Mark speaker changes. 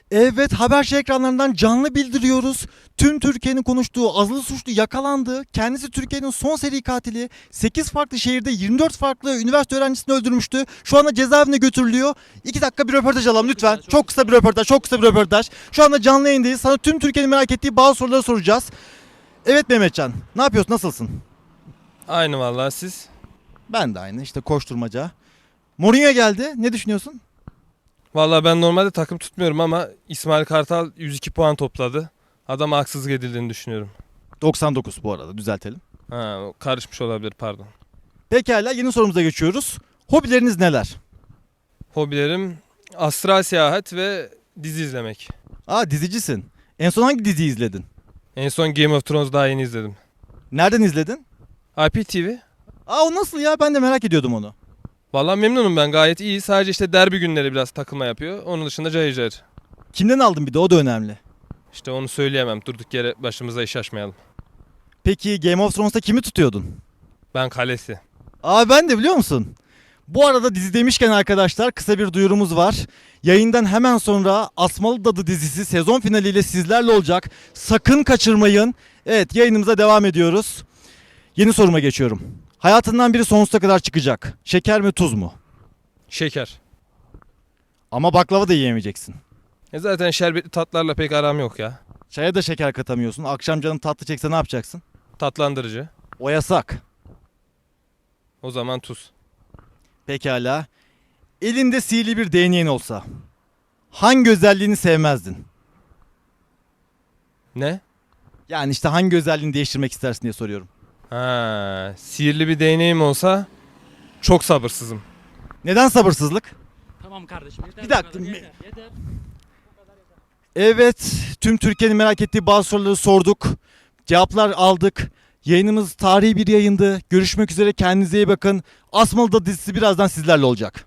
Speaker 1: Evet, Haberci ekranlarından canlı bildiriyoruz. Tüm Türkiye'nin konuştuğu azılı suçlu yakalandı. Kendisi Türkiye'nin son seri katili. 8 farklı şehirde 24 farklı üniversite öğrencisini öldürmüştü. Şu anda cezaevine götürülüyor. 2 dakika bir röportaj alalım lütfen. Çok kısa bir röportaj, çok kısa bir röportaj. Şu anda canlı yayındayız. Sana tüm Türkiye'nin merak ettiği bazı soruları soracağız. Evet Mehmetcan, ne yapıyorsun, nasılsın?
Speaker 2: Aynı vallahi siz.
Speaker 1: Ben de aynı, işte koşturmaca. Mourinho geldi, ne düşünüyorsun?
Speaker 2: Vallahi ben normalde takım tutmuyorum ama İsmail Kartal 102 puan topladı. Adama haksızlık edildiğini düşünüyorum.
Speaker 1: 99 bu arada, düzeltelim.
Speaker 2: Ha, karışmış olabilir, pardon.
Speaker 1: Pekala, yeni sorumuza geçiyoruz. Hobileriniz neler?
Speaker 2: Hobilerim astral seyahat ve dizi izlemek.
Speaker 1: Aa, dizicisin. En son hangi diziyi izledin?
Speaker 2: En son Game of Thrones daha yeni izledim.
Speaker 1: Nereden izledin?
Speaker 2: IPTV.
Speaker 1: Aa, o nasıl ya? Ben de merak ediyordum onu.
Speaker 2: Vallahi memnunum, ben gayet iyi. Sadece işte derbi günleri biraz takılma yapıyor. Onun dışında cayır cayır.
Speaker 1: Kimden aldın, bir de o da önemli.
Speaker 2: İşte onu söyleyemem. Durduk yere başımıza iş açmayalım.
Speaker 1: Peki Game of Thrones'ta kimi tutuyordun?
Speaker 2: Ben kalesi.
Speaker 1: Aa, ben de, biliyor musun? Bu arada dizi demişken arkadaşlar, kısa bir duyurumuz var. Yayından hemen sonra Asmalı Dadı dizisi sezon finaliyle sizlerle olacak. Sakın kaçırmayın. Evet, yayınımıza devam ediyoruz. Yeni soruma geçiyorum. Hayatından biri sonsuza kadar çıkacak. Şeker mi, tuz mu?
Speaker 2: Şeker.
Speaker 1: Ama baklava da yiyemeyeceksin.
Speaker 2: Zaten şerbetli tatlarla pek aram yok ya.
Speaker 1: Çaya da şeker katamıyorsun. Akşam canın tatlı çekse ne yapacaksın?
Speaker 2: Tatlandırıcı.
Speaker 1: O yasak.
Speaker 2: O zaman tuz.
Speaker 1: Pekala. Elinde sihirli bir değneğin olsa hangi özelliğini sevmezdin?
Speaker 2: Ne?
Speaker 1: Yani işte hangi özelliğini değiştirmek istersin diye soruyorum.
Speaker 2: Ha, sihirli bir değneğim olsa çok sabırsızım.
Speaker 1: Neden sabırsızlık?
Speaker 3: Tamam kardeşim yeter.
Speaker 1: Bir dakika.
Speaker 3: bu kadar, yeter.
Speaker 1: Evet, tüm Türkiye'nin merak ettiği bazı soruları sorduk. Cevaplar aldık. Yayınımız tarihi bir yayındı. Görüşmek üzere, kendinize iyi bakın. Asmalı da dizisi birazdan sizlerle olacak.